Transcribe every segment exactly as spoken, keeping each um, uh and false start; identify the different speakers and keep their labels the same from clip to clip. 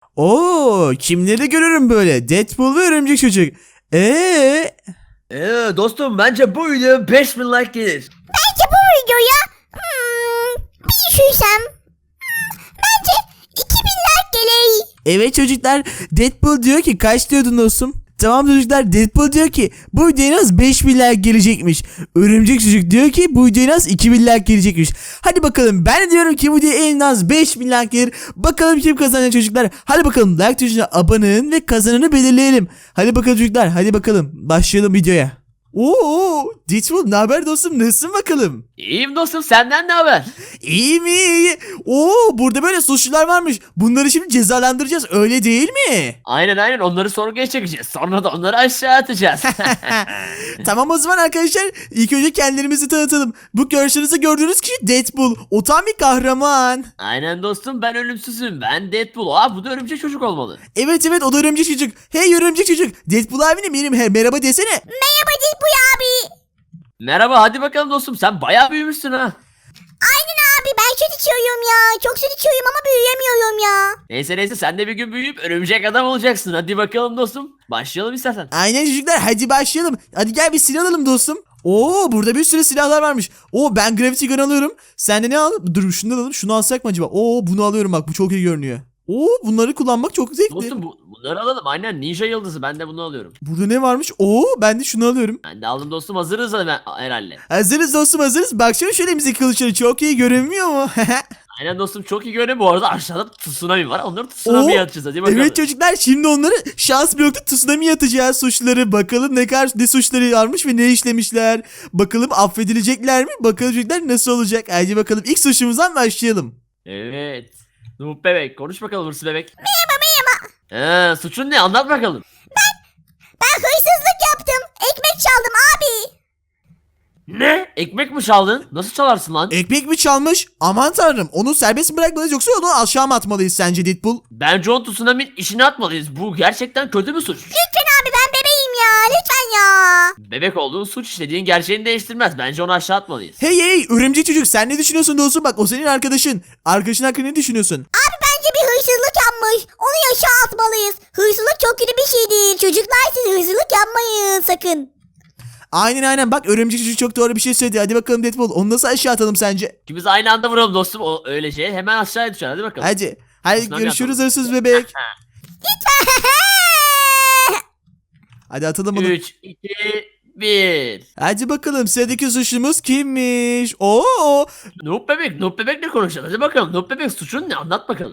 Speaker 1: Oo, kimleri görürüm böyle? Deadpool ve Örümcek Çocuk. Eee?
Speaker 2: Ee, dostum bence bu video beş bin like gelir.
Speaker 3: Bence bu videoya hmm, bir düşürsem hmm, bence iki bin like gelir.
Speaker 1: Evet çocuklar, Deadpool diyor ki kaç diyordun dostum? Tamam çocuklar, Deadpool diyor ki bu videoya en az beş bin like gelecekmiş. Örümcek Çocuk diyor ki bu videoya en az iki bin like gelecekmiş. Hadi bakalım, ben de diyorum ki bu videoya en az beş bin like gelir. Bakalım kim kazanacak çocuklar. Hadi bakalım, like tuşuna abone olun ve kazananı belirleyelim. Hadi bakalım çocuklar, hadi bakalım başlayalım videoya. Oo, Deadpool ne haber dostum, nasılsın bakalım?
Speaker 2: İyiyim dostum, senden ne haber?
Speaker 1: İyi mi? İyi. Oo, burada böyle suçlular varmış. Bunları şimdi cezalandıracağız, öyle değil mi?
Speaker 2: Aynen aynen, onları sorguya çekeceğiz. Sonra da onları aşağı atacağız.
Speaker 1: Tamam o zaman arkadaşlar, ilk önce kendilerimizi tanıtalım. Bu karşınızda gördüğünüz kişi Deadpool. O tam bir kahraman.
Speaker 2: Aynen dostum, ben ölümsüzüm. Ben Deadpool. Aa, bu da örümcek çocuk olmalı.
Speaker 1: Evet evet, o da Örümcek Çocuk. Hey Örümcek Çocuk. Deadpool abine benim he, merhaba desene.
Speaker 3: Merhaba Deadpool abi.
Speaker 2: Merhaba, hadi bakalım dostum, sen bayağı büyümüşsün ha.
Speaker 3: Aynen abi, ben süt içiyorum ya. Çok süt içiyorum ama büyüyemiyorum ya.
Speaker 2: Neyse neyse, sen de bir gün büyüyüp örümcek adam olacaksın. Hadi bakalım dostum. Başlayalım istersen.
Speaker 1: Aynen çocuklar, hadi başlayalım. Hadi gel bir silah alalım dostum. Oo, burada bir sürü silahlar varmış. Oo, ben Gravity Gun alıyorum. Sen de ne al? Dur şunu da alalım. Şunu alsak mı acaba? Oo, bunu alıyorum bak, bu çok iyi görünüyor. Oo, bunları kullanmak çok zevkli.
Speaker 2: Dostum bu, bunları alalım. Aynen, ninja yıldızı, ben de bunu alıyorum.
Speaker 1: Burada ne varmış? Oo, ben de şunu alıyorum.
Speaker 2: Ben de aldım dostum, hazırız hemen herhalde.
Speaker 1: Hazırız dostum, hazırız. Baksana şöyle bize kılıçları çok iyi görünmüyor mu?
Speaker 2: Aynen dostum, çok iyi görünüyor. Bu arada aşağıda tsunami var. Onları tsunami'ye
Speaker 1: Oo,
Speaker 2: atacağız. Hadi bakalım.
Speaker 1: evet çocuklar, şimdi onları şans blokta tsunami atacağız, suçları. Bakalım ne kadar ne suçları varmış ve ne işlemişler. Bakalım affedilecekler mi? Bakalım çocuklar nasıl olacak? Hadi bakalım, ilk suçumuzdan başlayalım.
Speaker 2: Evet. Noob bebek, konuş bakalım hırsız bebek.
Speaker 3: Merhaba merhaba.
Speaker 2: Ee, suçun ne? Anlat bakalım.
Speaker 3: Ben hırsızlık yaptım. Ekmek çaldım abi.
Speaker 2: Ne? Ekmek mi çaldın? Nasıl çalarsın lan?
Speaker 1: Ekmek mi çalmış? Aman tanrım, onu serbest mi bırakmalıyız yoksa onu aşağı mı atmalıyız sence Deadpool?
Speaker 2: Bence o tsunami'nin işini atmalıyız. Bu gerçekten kötü bir suç.
Speaker 3: Lütfen abi, ben bebeğim ya. Lütfen ya.
Speaker 2: Bebek olduğun suç işlediğin gerçeğini değiştirmez. Bence onu aşağı atmalıyız.
Speaker 1: Hey hey Örümcek Çocuk, sen ne düşünüyorsun dostum? Bak, o senin arkadaşın. Arkadaşın hakkında ne düşünüyorsun?
Speaker 3: Abi bence bir hırsızlık yapmış. Onu aşağı atmalıyız. Hırsızlık çok kötü bir şey değil. Çocuklar, siz hırsızlık yapmayın sakın.
Speaker 1: Aynen aynen, bak Örümcek Çocuk çok doğru bir şey söyledi. Hadi bakalım Deadpool, onu nasıl aşağı atalım sence?
Speaker 2: İkimiz aynı anda vuralım dostum. O öyle şey. Hemen aşağıya düşer. Hadi bakalım.
Speaker 1: Hadi. Hadi
Speaker 2: Tsunami
Speaker 1: görüşürüz
Speaker 2: atalım.
Speaker 1: hırsız bebek. Hadi atalım bunu.
Speaker 2: üç, iki, bir.
Speaker 1: Hadi bakalım, sıradaki suçlumuz kimmiş? Oo!
Speaker 2: Noob bebek. Noob bebekle konuşalım. Hadi bakalım. Noob bebek, suçun ne? Anlat bakalım.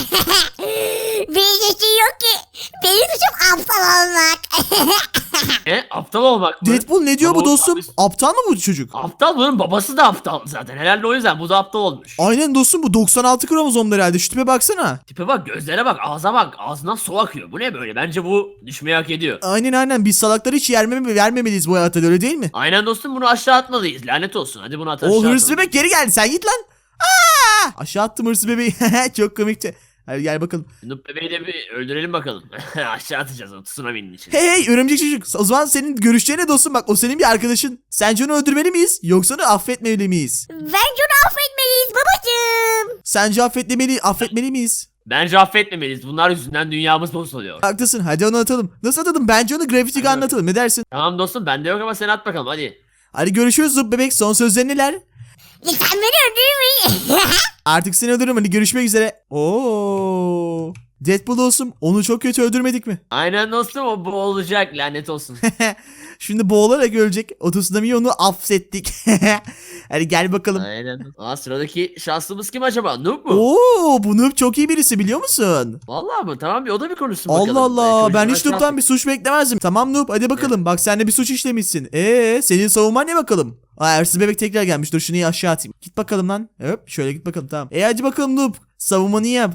Speaker 3: Bir şey yok ki. Benim suçum aptal olmak.
Speaker 2: E, aptal olmak mı?
Speaker 1: Deadpool ne diyor
Speaker 2: Ama
Speaker 1: bu
Speaker 2: o-
Speaker 1: dostum? Aptal mı bu çocuk?
Speaker 2: Aptal, bunun babası da aptal zaten. Herhalde o yüzden bu da aptal olmuş.
Speaker 1: Aynen dostum, bu doksan altı kromozomlu herhalde. Şu tipe baksana.
Speaker 2: Tipe bak, gözlere bak, ağza bak. Ağzından su akıyor. Bu ne böyle? Bence bu düşmeyi hak ediyor.
Speaker 1: Aynen aynen, biz salakları hiç yermeme, vermemeliyiz bu hayatta, öyle değil mi?
Speaker 2: Aynen dostum, bunu aşağı atmalıyız. Lanet olsun. Hadi bunu at aşağı
Speaker 1: O hırsız
Speaker 2: atalım.
Speaker 1: bebek geri geldi, sen git lan. Aa! Aşağı attım hırsız bebeği. Çok komikti. Hadi gel bakalım.
Speaker 2: Noob bebeği de bir öldürelim bakalım. Aşağı atacağız o tsunami'nin içine.
Speaker 1: Hey hey Örümcek Çocuk, o zaman senin görüşlerin ne dostum? Bak, o senin bir arkadaşın. Sence onu öldürmeli miyiz yoksa onu affetmeli miyiz?
Speaker 3: Bence onu affetmeliyiz babacığım.
Speaker 1: Sence affetmeli, affetmeli miyiz?
Speaker 2: Bence affetmemeliyiz. Bunlar yüzünden dünyamız bozuluyor.
Speaker 1: Haklısın, hadi onu atalım. Nasıl atalım? Bence onu Gravity Gun'la
Speaker 2: Hadi.
Speaker 1: atalım, ne dersin?
Speaker 2: Tamam dostum, bende yok ama sen at bakalım hadi.
Speaker 1: Hadi görüşürüz Zup bebek, son sözlerin neler?
Speaker 3: Lütfen beni öldürmeyin.
Speaker 1: Artık seni öldürürüm, hadi görüşmek üzere. Oo. Deadpool olsun, onu çok kötü öldürmedik mi?
Speaker 2: Aynen dostum, o bu olacak, lanet olsun.
Speaker 1: Şimdi boğularak ölecek. O tsunami'yi onu affettik. Hadi gel bakalım.
Speaker 2: Aynen. Aa, sıradaki şanslımız kim acaba? Noob mu?
Speaker 1: Oo, bu noob çok iyi birisi, biliyor musun?
Speaker 2: Vallahi mı? Tamam, bir o da bir konuşsun bakalım.
Speaker 1: Allah Allah,
Speaker 2: Belki
Speaker 1: ben
Speaker 2: ucundan
Speaker 1: hiç noob'tan
Speaker 2: şans-
Speaker 1: bir suç beklemezdim. Tamam noob, hadi bakalım. Bak, sen de bir suç işlemişsin. Eee, senin savunman ne bakalım? Aa, hırsız bebek tekrar gelmiş. Dur şunu iyi aşağı atayım. Git bakalım lan. Hop, şöyle git bakalım, tamam. E hadi bakalım noob, savunmanı yap.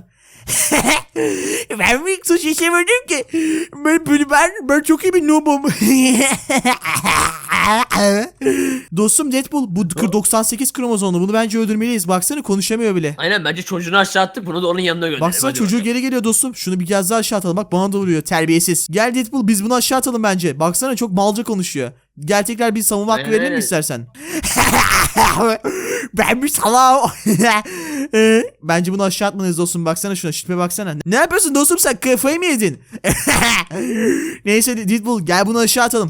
Speaker 1: Ben bir suç işlemedim ki. Ben, ben, ben, ben çok iyi bir noob'um. Dostum Deadpool, bu doksan sekiz kromozomlu, bunu bence öldürmeliyiz. Baksana, konuşamıyor bile.
Speaker 2: Aynen, bence çocuğunu aşağı attık, bunu da onun yanına gönderelim.
Speaker 1: Baksana,
Speaker 2: Hadi
Speaker 1: çocuğu
Speaker 2: bakalım.
Speaker 1: geri geliyor dostum. Şunu bir kez daha aşağı atalım. Bak, bana da vuruyor, terbiyesiz. Gel Deadpool, biz bunu aşağı atalım bence. Baksana, çok malca konuşuyor. Gel tekrar bir savunma hakkı
Speaker 2: Aynen,
Speaker 1: verelim mi
Speaker 2: aynen.
Speaker 1: istersen? Ben bir salam. Ee, Bence bunu aşağı atmalıyız dostum. Baksana şuna, şüphe baksana. Ne yapıyorsun dostum, sen kafayı mı yedin? Neyse Deadpool, gel bunu aşağı atalım.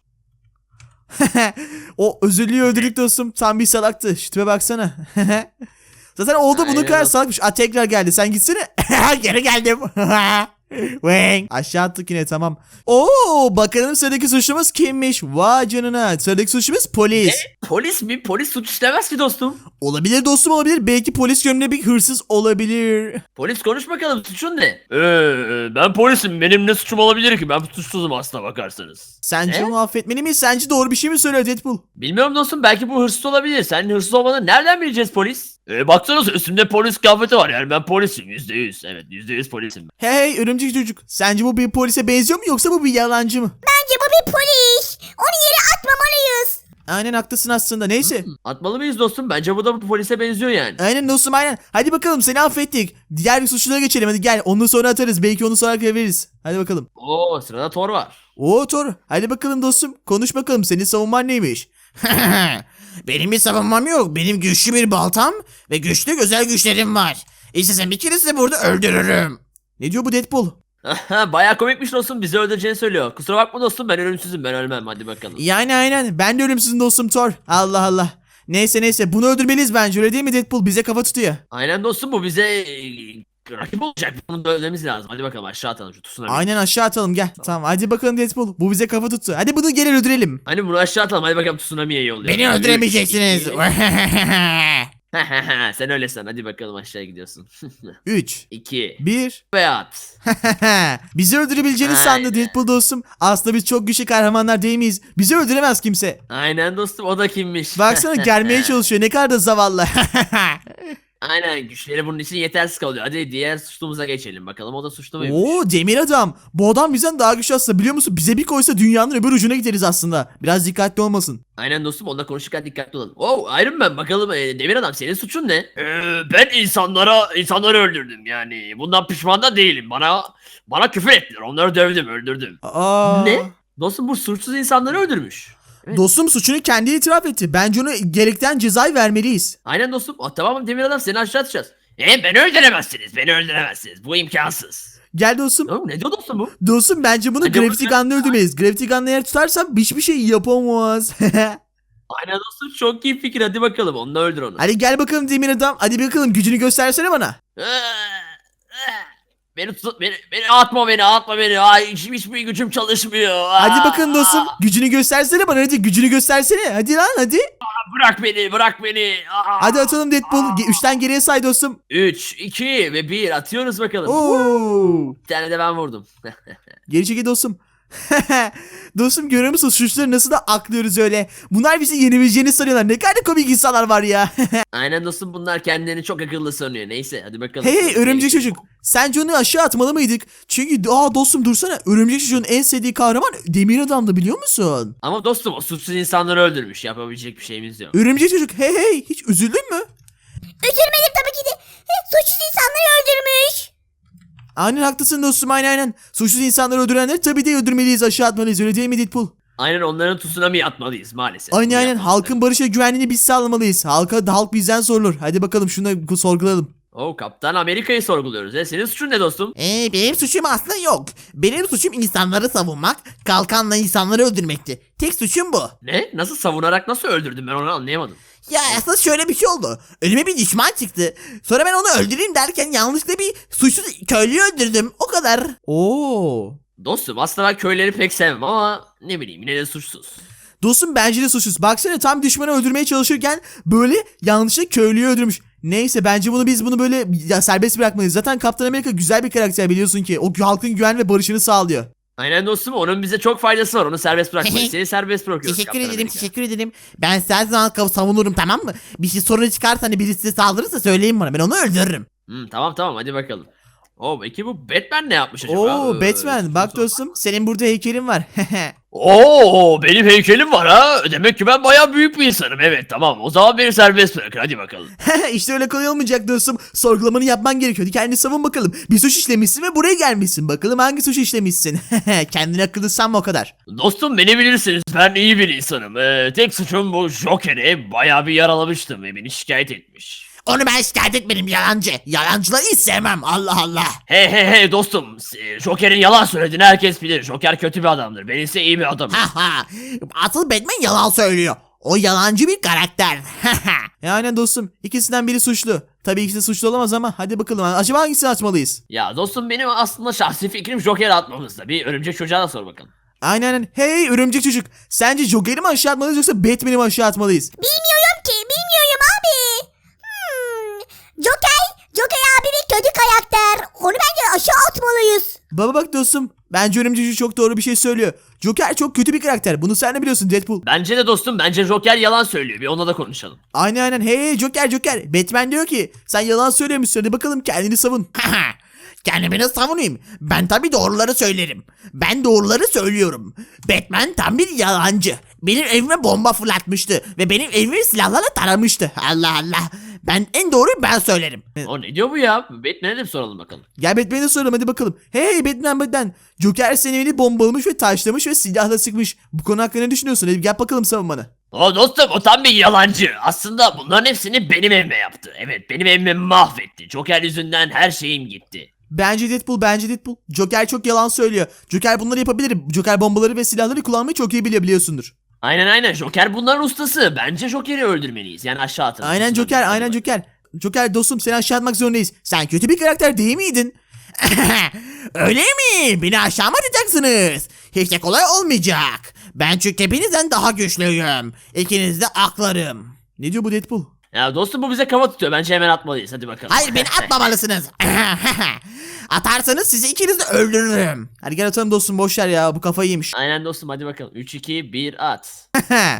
Speaker 1: O özürlüğü öldürdük dostum. Tam bir salaktı. Şüphe baksana. Zaten oldu, bunun
Speaker 2: Aynen.
Speaker 1: kadar salakmış. Aa, tekrar geldi. Sen gitsene. Geri geldim. Wang. Aşağı attık yine, tamam. Oo, bakalım sıradaki suçlumuz kimmiş? Vay canına. Sıradaki suçlumuz polis.
Speaker 2: Polis mi? Polis suç işlemez ki dostum.
Speaker 1: Olabilir dostum, olabilir. Belki polis görünümlü bir hırsız olabilir.
Speaker 2: Polis konuş bakalım, suçun ne? Ee, ben polisim, benim ne suçum olabilir ki? Ben suçsuzum aslına bakarsanız.
Speaker 1: Sence
Speaker 2: Ne?
Speaker 1: onu affetmeli miyiz? Sence doğru bir şey mi söylüyor Deadpool?
Speaker 2: Bilmiyorum dostum, belki bu hırsız olabilir. Senin hırsız olmanı nereden bileceğiz polis? Ee, baksanıza üstümde polis kıyafeti var, yani ben polisim yüzde yüz. Evet, yüzde yüz polisim ben.
Speaker 1: Hey hey örümcek çocuk. Sence bu bir polise benziyor mu yoksa bu bir yalancı mı?
Speaker 3: Bence bu bir polis. Onu yere atmamalıyız.
Speaker 1: Aynen haklısın aslında. Neyse.
Speaker 2: Atmalı mıyız dostum? Bence bu da bu polise benziyor yani.
Speaker 1: Aynen dostum, aynen. Hadi bakalım, seni affettik. Diğer bir suçlulara geçelim, hadi gel. Onu sonra atarız. Belki onu sonra veririz. Hadi bakalım.
Speaker 2: Oo, sırada Thor var.
Speaker 1: Oo Thor. Hadi bakalım dostum. Konuş bakalım, senin savunman neymiş? Benim bir savunmam yok. Benim güçlü bir baltam ve güçlü özel güçlerim var. İstesem bir kere sizi burada öldürürüm. Ne diyor bu Deadpool?
Speaker 2: Bayağı komikmiş dostum, bizi öldüreceğini söylüyor. Kusura bakma dostum, ben ölümsüzüm, ben ölmem, hadi bakalım.
Speaker 1: Yani aynen. Ben de ölümsüzüm dostum Thor. Allah Allah. Neyse neyse, bunu öldürmeliyiz bence, öyle değil mi Deadpool? Bize kafa tutuyor.
Speaker 2: Aynen dostum, bu bize e, rakip olacak, bunu da öldürmemiz lazım. Hadi bakalım aşağı atalım şu tsunami.
Speaker 1: Aynen, aşağı atalım, gel. Tamam hadi bakalım Deadpool. Bu bize kafa tuttu. Hadi bunu gel öldürelim.
Speaker 2: Hani bunu aşağı atalım, hadi bakalım tsunami'ye yolluyor.
Speaker 1: Beni öldüremeyeceksiniz.
Speaker 2: Sen öyle san, hadi bakalım aşağıya gidiyorsun.
Speaker 1: üç,
Speaker 2: iki
Speaker 1: bir.
Speaker 2: ve at.
Speaker 1: Bizi öldürebileceğini sandı
Speaker 2: Aynen.
Speaker 1: Deadpool dostum. Aslında biz çok güçlü kahramanlar değil miyiz? Bizi öldüremez kimse.
Speaker 2: Aynen dostum, o da kimmiş?
Speaker 1: Baksana, gelmeye çalışıyor. Ne kadar da zavallı.
Speaker 2: Aynen, güçleri bunun için yetersiz kalıyor. Hadi diğer suçlumuza geçelim bakalım, o da suçlu muymuş?
Speaker 1: Oo, demir adam. Bu adam bizden daha güçlü aslında, biliyor musun? Bize bir koysa dünyanın öbür ucuna gideriz aslında. Biraz dikkatli olmasın.
Speaker 2: Aynen dostum, onunla konuşurken dikkatli olalım. Oh, Iron Man, bakalım e, Demir Adam, senin suçun ne? Ee, ben insanlara insanları öldürdüm yani. Bundan pişman da değilim. Bana bana küfür ettiler. Onları dövdüm, öldürdüm.
Speaker 1: Aa.
Speaker 2: Ne? Dostum, bu suçsuz insanları öldürmüş. Evet.
Speaker 1: Dostum suçunu kendi itiraf etti. Bence ona gerekten cezayı vermeliyiz.
Speaker 2: Aynen dostum. Ah, tamam Demir Adam, seni aşağı atacağız. E beni öldüremezsiniz. Beni öldüremezsiniz. Bu imkansız.
Speaker 1: Gel dostum.
Speaker 2: Oğlum, ne diyor dostum bu?
Speaker 1: Dostum bence bunu
Speaker 2: Hadi
Speaker 1: Gravity
Speaker 2: bakalım.
Speaker 1: Gun'la öldürmeliyiz. Gravity Gun'la eğer tutarsam hiçbir şey yapamaz.
Speaker 2: Aynen dostum, çok iyi fikir. Hadi bakalım, onunla öldür onu.
Speaker 1: Hadi gel bakalım demir adam. Hadi bakalım, gücünü göstersene bana.
Speaker 2: Beni tut, beni, beni atma beni, atma beni. Ay, hiç, hiçbir gücüm çalışmıyor.
Speaker 1: Hadi
Speaker 2: Aa,
Speaker 1: bakalım dostum. Gücünü göstersene bana, hadi gücünü göstersene. Hadi lan hadi.
Speaker 2: Bırak beni, bırak beni. Aa.
Speaker 1: Hadi atalım Deadpool. Ge- Üçten geriye say dostum.
Speaker 2: üç, iki ve bir atıyoruz bakalım.
Speaker 1: Oo.
Speaker 2: Bir tane de ben vurdum.
Speaker 1: Geri çekil dostum. Dostum, görüyor musun? Suçları nasıl da aklıyoruz öyle. Bunlar bizi yenebileceğini sanıyorlar. Ne kadar komik insanlar var ya.
Speaker 2: Aynen dostum, bunlar kendilerini çok akıllı sanıyor. Neyse, hadi bakalım.
Speaker 1: Hey hey örümcek çocuk. Sence onu aşağı atmalı mıydık? Çünkü aa dostum dursana. Örümcek çocuğun en sevdiği kahraman demir adamdı, biliyor musun?
Speaker 2: Ama dostum, o suçsuz insanları öldürmüş. Yapabilecek bir şeyimiz yok.
Speaker 1: Örümcek çocuk, hey hey, hiç üzüldün mü?
Speaker 3: Üzülmedim tabii ki de. Suçsuz insanları öldürmüş.
Speaker 1: Aynen haklısın dostum, aynen aynen. Suçsuz insanları öldürenleri tabii de öldürmeliyiz, aşağı atmalıyız, öyle değil mi Deadpool?
Speaker 2: Aynen, onların tsunami'ye atmalıyız maalesef.
Speaker 1: Aynen
Speaker 2: Bunu
Speaker 1: aynen,
Speaker 2: yapmamız
Speaker 1: halkın barış ve güvenliğini biz sağlamalıyız. Halka, halk bizden sorulur. Hadi bakalım şunu sorgulayalım.
Speaker 2: Oo, Kaptan Amerika'yı sorguluyoruz. E, senin suçun ne dostum?
Speaker 1: Ee, benim suçum aslında yok. Benim suçum insanları savunmak, kalkanla insanları öldürmekti. Tek suçum bu.
Speaker 2: Ne? Nasıl savunarak nasıl öldürdün, ben onu anlayamadım.
Speaker 1: Ya aslında şöyle bir şey oldu. Önüme bir düşman çıktı. Sonra ben onu öldüreyim derken yanlışlıkla bir suçsuz köylüyü öldürdüm. O kadar. Oo.
Speaker 2: Dostum, aslında ben köyleri pek sevmem ama ne bileyim, yine de suçsuz.
Speaker 1: Dostum bence de suçsuz. Baksana, tam düşmanı öldürmeye çalışırken böyle yanlışlıkla köylüyü öldürmüş. Neyse, bence bunu biz bunu böyle ya serbest bırakmalıyız. Zaten Kaptan Amerika güzel bir karakter, biliyorsun ki. O halkın güven ve barışını sağlıyor.
Speaker 2: Aynen dostum, onun bize çok faydası var. Onu serbest bırakmayız. Seni serbest bırakıyoruz.
Speaker 1: Teşekkür
Speaker 2: Kaptan
Speaker 1: ederim,
Speaker 2: Amerika.
Speaker 1: teşekkür ederim. Ben size her zaman kav- savunurum, tamam mı? Bir şey sorun çıkarsa, hani birisi size saldırırsa söyleyin bana. Ben onu öldürürüm.
Speaker 2: Hmm, tamam tamam, hadi bakalım. Oo peki bu Batman ne yapmış acaba?
Speaker 1: Oo
Speaker 2: Ee,
Speaker 1: Batman bak
Speaker 2: şunu
Speaker 1: dostum senin burada heykelin var.
Speaker 2: Oo benim heykelim var ha. Demek ki ben bayağı büyük bir insanım. Evet tamam. O zaman beni serbest bırakın. Hadi bakalım.
Speaker 1: İşte öyle kolay olmayacak dostum. Sorgulamanı yapman gerekiyordu. Kendini savun bakalım. Bir suç işlemişsin ve buraya gelmişsin. Bakalım hangi suç işlemişsin. Kendini akıllı sanma o kadar.
Speaker 2: Dostum beni bilirsiniz. Ben iyi bir insanım. Ee, tek suçum bu Joker'i bayağı bir yaralamıştım ve beni şikayet etmiş.
Speaker 1: Onu ben şikayet etmedim yalancı. Yalancıları hiç sevmem Allah Allah.
Speaker 2: Hey hey hey dostum. e, Joker'in yalan söylediğini herkes bilir. Joker kötü bir adamdır. Ben ise iyi bir adamım.
Speaker 1: Ha asıl Batman yalan söylüyor. O yalancı bir karakter. Yani dostum ikisinden biri suçlu. Tabii ikisi suçlu olamaz ama hadi bakalım acaba hangisini açmalıyız?
Speaker 2: Ya dostum benim aslında şahsi fikrim Joker'i atmamızda. Bir örümcek çocuğa da sor bakalım.
Speaker 1: Aynen aynen. Hey örümcek çocuk. Sence Joker'i mi aşağı atmalıyız yoksa Batman'i mi aşağı atmalıyız?
Speaker 3: Bilmiyorum ki bilmiyorum abi. Hmm. Joker. Joker abi bir kötü karakter. Onu bence aşağı atmalıyız.
Speaker 1: Baba bak dostum. Bence örümcek çocuk çok doğru bir şey söylüyor. Joker çok kötü bir karakter. Bunu sen de biliyorsun Deadpool.
Speaker 2: Bence de dostum bence Joker yalan söylüyor. Bir onunla da konuşalım.
Speaker 1: Aynen aynen. Hey Joker Joker. Batman diyor ki sen yalan söylüyormuşsun. Hadi bakalım kendini savun. Kendimi nasıl savunayım? Ben tabii doğruları söylerim. Ben doğruları söylüyorum. Batman tam bir yalancı. Benim evime bomba fırlatmıştı. Ve benim evimi silahlarla taramıştı. Allah Allah. Ben en doğruyu ben söylerim.
Speaker 2: O ne diyor bu ya? Batman'e de bir soralım bakalım.
Speaker 1: Gel Batman'e soralım hadi bakalım. Hey Batman Batman. Joker senin evini bombalamış ve taşlamış ve silahla sıkmış. Bu konu hakkında ne düşünüyorsun? Hadi gel bakalım savun bana.
Speaker 2: O dostum o tam bir yalancı. Aslında bunların hepsini benim evime yaptı. Evet benim evimi mahvetti. Joker yüzünden her şeyim gitti.
Speaker 1: Bence Deadpool, bence Deadpool. Joker çok yalan söylüyor. Joker bunları yapabilir. Joker bombaları ve silahları kullanmayı çok iyi biliyor biliyorsundur.
Speaker 2: Aynen aynen Joker bunların ustası. Bence Joker'i öldürmeliyiz. Yani aşağı atın.
Speaker 1: Aynen Joker, aynen Joker. Joker dostum seni aşağı atmak zorundayız. Sen kötü bir karakter değil miydin? Öyle mi? Beni aşağı mı atacaksınız? Hiç de kolay olmayacak. Ben çünkü hepinizden daha güçlüyüm. İkiniz de aklarım. Ne diyor bu Deadpool?
Speaker 2: Ya dostum bu bize kafa tutuyor. Bence hemen atmalıyız. Hadi bakalım.
Speaker 1: Hayır beni atmamalısınız. Atarsanız sizi ikiniz de öldürürüm. Hadi gel atalım dostum boşver ya bu kafayı yemiş.
Speaker 2: Aynen dostum hadi bakalım. üç iki bir at.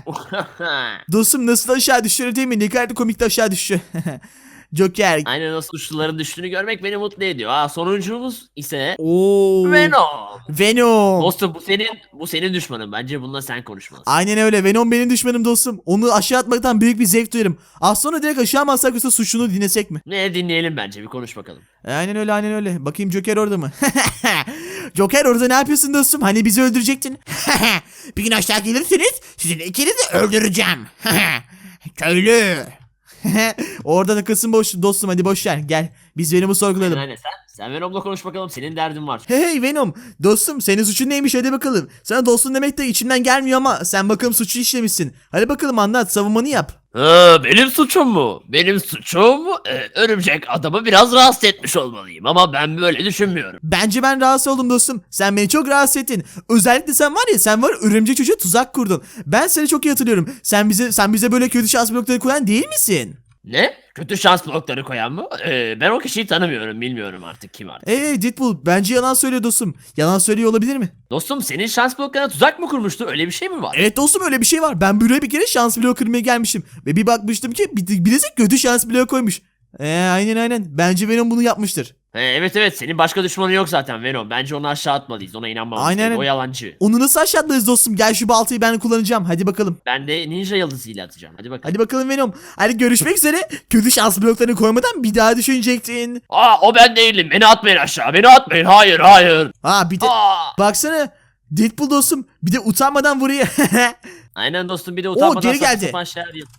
Speaker 1: Dostum nasıl aşağı düşüyor değil mi? Ne kadar da komik de aşağı düşüyor. Joker.
Speaker 2: Aynen o suçluların düştüğünü görmek beni mutlu ediyor. Ha sonuncumuz ise
Speaker 1: Oo.
Speaker 2: Venom.
Speaker 1: Venom.
Speaker 2: Dostum bu senin bu senin düşmanın. Bence bununla sen konuşmalısın.
Speaker 1: Aynen öyle. Venom benim düşmanım dostum. Onu aşağı atmaktan büyük bir zevk duyarım. Az sonra direkt aşağı mı atsak yoksa suçunu dinlesek mi?
Speaker 2: Ne dinleyelim bence bir konuş bakalım.
Speaker 1: Aynen öyle aynen öyle. Bakayım Joker orada mı? Joker orada ne yapıyorsun dostum? Hani bizi öldürecektin? Bir gün aşağı gelirseniz sizin ikinizi de öldüreceğim. Köylü. Orada takılsın boş dostum hadi boş ver gel. Biz Venom'u sorgulayalım.
Speaker 2: Aynen sen, sen Venom'la konuş bakalım. Senin derdin var.
Speaker 1: Hey Venom dostum senin suçun neymiş hadi bakalım. Sana dostum demek de içimden gelmiyor ama sen bakalım suçu işlemişsin. Hadi bakalım anlat savunmanı yap.
Speaker 2: Ha, benim suçum mu? Benim suçum e, örümcek adamı biraz rahatsız etmiş olmalıyım ama ben böyle düşünmüyorum.
Speaker 1: Bence ben rahatsız oldum dostum. Sen beni çok rahatsız ettin. Özellikle sen var ya sen var örümcek çocuğa tuzak kurdun. Ben seni çok iyi hatırlıyorum. Sen bize sen bize böyle kötü şans blokları koyan değil misin?
Speaker 2: Ne? Kötü şans blokları koyan mı? E, ben o kişiyi tanımıyorum. Bilmiyorum artık kim artık.
Speaker 1: Hey Deadpool bence yalan söylüyor dostum. Yalan söylüyor olabilir mi?
Speaker 2: Dostum senin şans bloklarına tuzak mı kurmuştu? Öyle bir şey mi var?
Speaker 1: Evet dostum öyle bir şey var. Ben buraya bir kere şans bloğu kırmaya gelmişim. Ve bir bakmıştım ki bir- birisi kötü şans bloğu koymuş. Eee aynen aynen. Bence Venom bunu yapmıştır.
Speaker 2: E, evet evet senin başka düşmanın yok zaten Venom. Bence onu aşağı atmalıyız. Ona inanmamız
Speaker 1: Aynen.
Speaker 2: gerek. O yalancı.
Speaker 1: Onu nasıl aşağı atlarız dostum? Gel şu baltayı ben kullanacağım. Hadi bakalım.
Speaker 2: Ben de ninja yıldızıyla atacağım. Hadi bakalım.
Speaker 1: Hadi bakalım Venom. Hadi görüşmek üzere. Kötü şans bloklarını koymadan bir daha düşünecektin.
Speaker 2: Aa o ben değilim. Beni atmayın aşağı. Beni atmayın. Hayır hayır.
Speaker 1: Ha bir de
Speaker 2: Aa.
Speaker 1: baksana. Deadpool dostum. Bir de utanmadan vuruyor.
Speaker 2: Aynen dostum bir de utanmadan
Speaker 1: geri
Speaker 2: saçma
Speaker 1: geldi.
Speaker 2: sapan şeyler yap-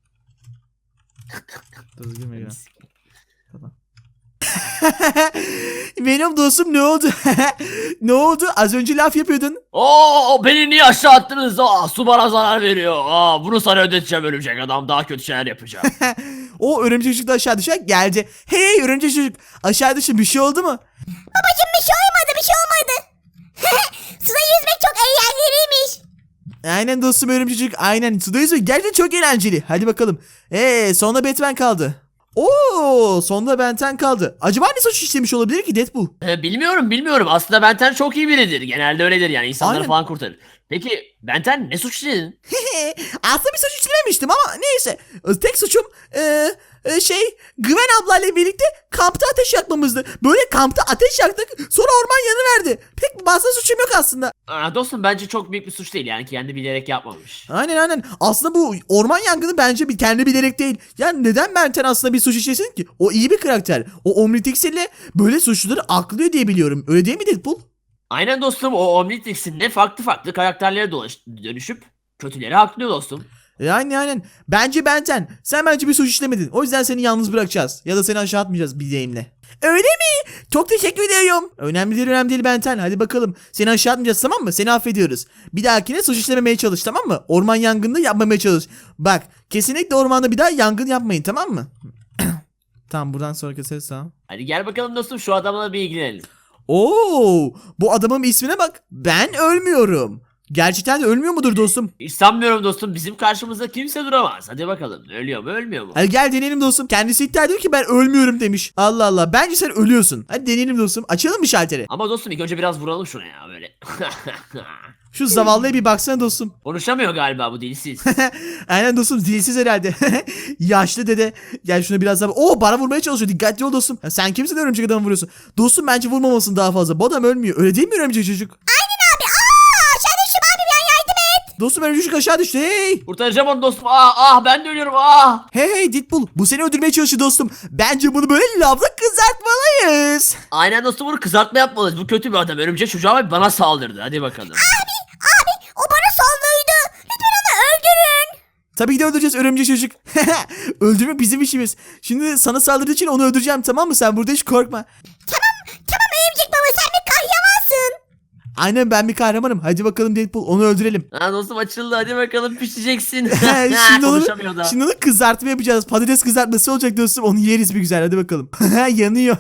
Speaker 1: Venom dostum ne oldu? Ne oldu? Az önce laf yapıyordun.
Speaker 2: Oo beni niye aşağı attınız? Aa su bana zarar veriyor. Aa bunu sana ödeteceğim örümcek adam. Daha kötü şeyler yapacağım.
Speaker 1: O örümcek çocuk da aşağı düşer geldi. Hey örümcek çocuk aşağı düşün bir şey oldu mu?
Speaker 3: Babacım bir şey olmadı bir şey olmadı. Suda yüzmek çok eğlenceliymiş.
Speaker 1: Aynen dostum örümcek çocuk aynen sudayız ve gerçekten çok eğlenceli. Hadi bakalım. Eee sonra Batman kaldı. Oo sonunda Benten kaldı. Acaba ne suç işlemiş olabilir ki Deadpool?
Speaker 2: Ee, bilmiyorum bilmiyorum. Aslında Benten çok iyi biridir. Genelde öyledir yani. İnsanları
Speaker 1: Aynen.
Speaker 2: falan kurtarır. Peki Benten ne suç işledin?
Speaker 1: Aslında bir suç işlememiştim ama neyse. Tek suçum eee e, şey Gwen ablayla birlikte kampta ateş yakmamızdı. Böyle kampta ateş yaktık sonra orman yanıverdi. Pek fazla suçum yok aslında.
Speaker 2: Aa, dostum bence çok büyük bir suç değil yani kendi bilerek yapmamış.
Speaker 1: Aynen aynen. Aslında bu orman yangını bence bir kendi bilerek değil. Yani neden Benten aslında bir suç işlesin ki? O iyi bir karakter. O Omnitrix'le böyle suçluları aklıyor diye biliyorum. Öyle değil mi Deadpool?
Speaker 2: Aynen dostum o Omnitrix'in de farklı farklı karakterlere dolaş dönüşüp kötüleri haklıyor dostum.
Speaker 1: E, aynen aynen. Bence Benten. Sen bence bir suç işlemedin. O yüzden seni yalnız bırakacağız. Ya da seni aşağı atmayacağız bir deyimle. Öyle mi? Çok teşekkür ediyorum. Önemli değil önemli değil Benten. Hadi bakalım. Seni aşağı atmayacağız tamam mı? Seni affediyoruz. Bir dahakine suç işlememeye çalış tamam mı? Orman yangında yapmamaya çalış. Bak kesinlikle ormanda bir daha yangın yapmayın tamam mı? Tamam buradan sonra keseriz tamam.
Speaker 2: Hadi gel bakalım dostum şu adamla bir ilgilenelim.
Speaker 1: Oo, bu adamın ismine bak. Ben ölmüyorum. Gerçekten de ölmüyor mudur dostum?
Speaker 2: Hiç sanmıyorum dostum bizim karşımızda kimse duramaz. Hadi bakalım ölüyor mu ölmüyor mu?
Speaker 1: Hadi gel deneyelim dostum. Kendisi iddia ediyor ki ben ölmüyorum demiş. Allah Allah. Bence sen ölüyorsun. Hadi deneyelim dostum. Açalım mı şalteri?
Speaker 2: Ama dostum ilk önce biraz vuralım şuna ya böyle.
Speaker 1: Şu zavallıya bir baksana dostum.
Speaker 2: Konuşamıyor galiba bu dilsiz.
Speaker 1: Aynen dostum dilsiz herhalde. Yaşlı dede. Gel şuna biraz daha. Oo bana vurmaya çalışıyor. Dikkatli ol dostum. Ya sen kimsin örümcek adamı vuruyorsun? Dostum bence vurmamasın daha fazla. Bu adam ölmüyor. Öyle değil mi örümcek çocuk?
Speaker 3: Aynen abi. Aa, aşağı düştüm abi ben yardım et.
Speaker 1: Dostum örümcek çocuk aşağı düştü. Hey.
Speaker 2: Kurtaracağım onu dostum. Ah ah ben de ölüyorum ah.
Speaker 1: Hey hey Deadpool. Bu seni öldürmeye çalışıyor dostum. Bence bunu böyle lavda kızartmalıyız.
Speaker 2: Aynen dostum bunu kızartma yapmalıyız. Bu kötü bir adam. Örümcek çocuğu ama bana saldırdı. Hadi bakalım.
Speaker 3: Abi o bana saldırdı. Lütfen onu öldürün.
Speaker 1: Tabii ki de öldüreceğiz örümcek çocuk. Öldürmek bizim işimiz. Şimdi sana saldırdığı için onu öldüreceğim tamam mı? Sen burada hiç korkma.
Speaker 3: Tamam tamam örümcek baba sen bir kahyamansın.
Speaker 1: Aynen ben bir kahramanım. Hadi bakalım Deadpool onu öldürelim.
Speaker 2: Ha dostum açıldı. Hadi bakalım pişeceksin.
Speaker 1: şimdi, onu,
Speaker 2: Konuşamıyor da.
Speaker 1: şimdi onu kızartma yapacağız. Patates kızartması olacak dostum. Onu yeriz bir güzel. Hadi bakalım. Yanıyor.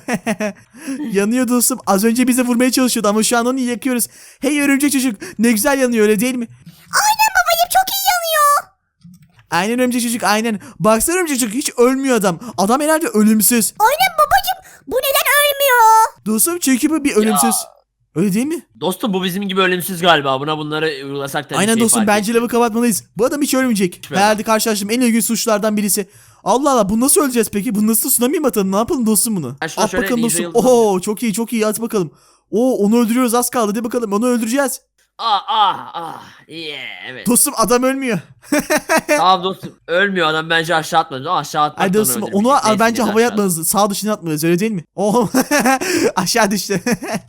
Speaker 1: Yanıyor dostum. Az önce bize vurmaya çalışıyordu ama şu an onu yakıyoruz. Hey örümcek çocuk. Ne güzel yanıyor öyle değil mi?
Speaker 3: Aynen babacım çok iyi yanıyor.
Speaker 1: Aynen örümcek çocuk aynen. Baksana örümcek çocuk hiç ölmüyor adam. Adam herhalde ölümsüz.
Speaker 3: Aynen babacım bu neden ölmüyor?
Speaker 1: Dostum çünkü bu bir ölümsüz. Öyle değil mi?
Speaker 2: Dostum bu bizim gibi ölümsüz galiba. Buna bunları uygulasak da bir
Speaker 1: Aynen
Speaker 2: şey
Speaker 1: dostum
Speaker 2: fark
Speaker 1: bence
Speaker 2: etmiyor.
Speaker 1: lavı kapatmalıyız. Bu adam hiç ölmeyecek.
Speaker 2: Hiç
Speaker 1: Herhalde karşılaştığım en ilginç suçlardan birisi. Allah Allah bunu nasıl öleceğiz peki? Bunu nasıl tsunami mi atalım? Ne yapalım dostum bunu?
Speaker 2: Ben şuna
Speaker 1: At
Speaker 2: şöyle
Speaker 1: bakalım
Speaker 2: ninja
Speaker 1: dostum.
Speaker 2: yıldızı
Speaker 1: Oo çok iyi çok iyi at bakalım. Oo onu öldürüyoruz az kaldı. Hadi bakalım onu öldüreceğiz.
Speaker 2: Ah ah ah. Yeah, evet.
Speaker 1: Dostum adam ölmüyor.
Speaker 2: Tamam dostum. Ölmüyor adam bence aşağı atmadı. Ama aşağı atmak
Speaker 1: Ay
Speaker 2: da
Speaker 1: dostum
Speaker 2: öldürmeyecek.
Speaker 1: onu
Speaker 2: Neyse,
Speaker 1: bence
Speaker 2: gel
Speaker 1: havaya
Speaker 2: aşağı.
Speaker 1: atmalıyız. Sağ dışına atmalıyız öyle değil mi? Oo aşağı düştü.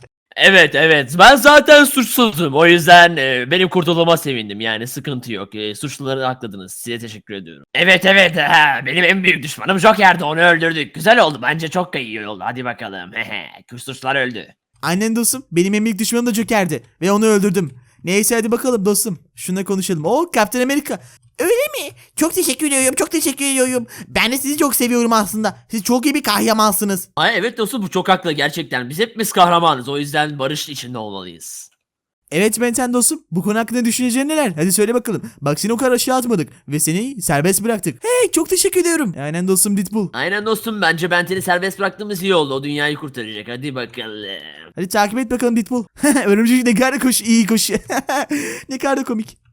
Speaker 2: Evet evet ben zaten suçsuzdum o yüzden e, benim kurtulduğuma sevindim yani sıkıntı yok e, suçluları hakladınız size teşekkür ediyorum. Evet evet ha, benim en büyük düşmanım Joker'di onu öldürdük güzel oldu bence çok da iyi oldu hadi bakalım hehe suçlular öldü.
Speaker 1: Aynen dostum benim en büyük düşmanım da Joker'di. Ve onu öldürdüm. Neyse hadi bakalım dostum. Şuna konuşalım. Oo Captain America. Öyle mi? Çok teşekkür ediyorum. Çok teşekkür ediyorum. Ben de sizi çok seviyorum aslında. Siz çok iyi bir kahramansınız.
Speaker 2: Ay evet dostum bu çok haklı gerçekten biz hepimiz kahramanız o yüzden barış içinde olmalıyız.
Speaker 1: Evet Benten dostum. Bu konu hakkında düşüneceğin neler? Hadi söyle bakalım. Bak seni o kadar aşağı atmadık. Ve seni serbest bıraktık. Hey çok teşekkür ediyorum. Aynen dostum Deadpool.
Speaker 2: Aynen dostum bence Benten'i serbest bıraktığımız iyi oldu o dünyayı kurtaracak hadi bakalım.
Speaker 1: Hadi takip et bakalım Deadpool. Örümcek ne kadar koş iyi koşuyor. Ne kadar da komik.